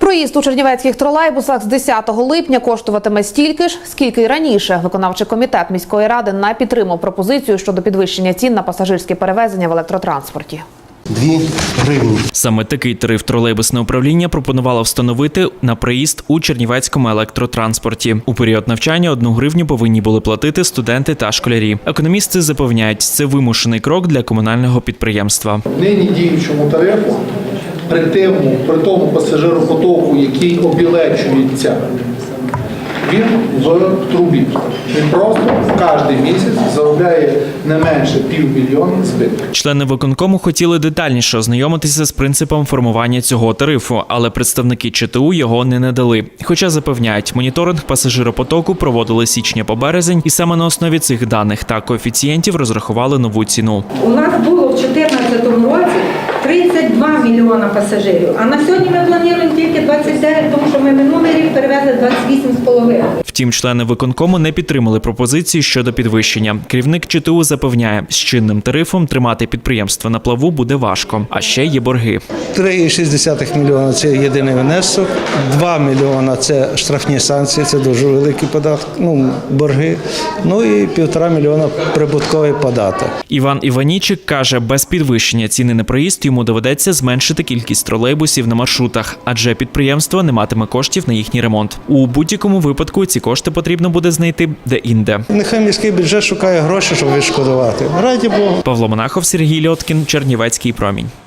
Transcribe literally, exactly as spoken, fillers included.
Проїзд у чернівецьких тролейбусах з десятого липня коштуватиме стільки ж, скільки й раніше. Виконавчий комітет міської ради не підтримав пропозицію щодо підвищення цін на пасажирські перевезення в електротранспорті. Дві гривні. Саме такий тариф тролейбусне управління пропонувало встановити на проїзд у чернівецькому електротранспорті. У період навчання одну гривню повинні були платити студенти та школярі. Економісти запевняють, це вимушений крок для комунального підприємства. Нині діючому тарифу, при тому, при тому пасажиропотоку, який обілечується, він в трубі. Він просто кожен місяць заробляє не менше півмільйона збитків. Члени виконкому хотіли детальніше ознайомитися з принципом формування цього тарифу, але представники ЧТУ його не надали. Хоча запевняють, моніторинг пасажиропотоку проводили з січня по березень, і саме на основі цих даних та коефіцієнтів розрахували нову ціну. У нас було в дві тисячі чотирнадцятому році тридцять два мільйона пасажирів, а на сьогодні ми плануємо тільки двадцять дев'ять, тому що ми минулий рік перевезли двадцять вісім з половиною. Втім, члени виконкому не підтримали пропозиції щодо підвищення. Керівник ЧТУ запевняє, з чинним тарифом тримати підприємство на плаву буде важко, а ще є борги. три цілих шість десятих мільйона – це єдиний внесок, два мільйона – це штрафні санкції, це дуже великі податки, ну, борги, ну і півтора мільйона – прибутковий податок. Іван Іванічик каже, без підвищення ціни на проїзд йому доведеться зменшити кількість тролейбусів на маршрутах, адже підприємство не матиме коштів на їхній ремонт. У будь-якому випадку ці кошти потрібно буде знайти де-інде. Нехай міський бюджет шукає гроші, щоб відшкодувати. Раді Богу. Павло Монахов, Сергій Льоткін, Чернівецький промінь.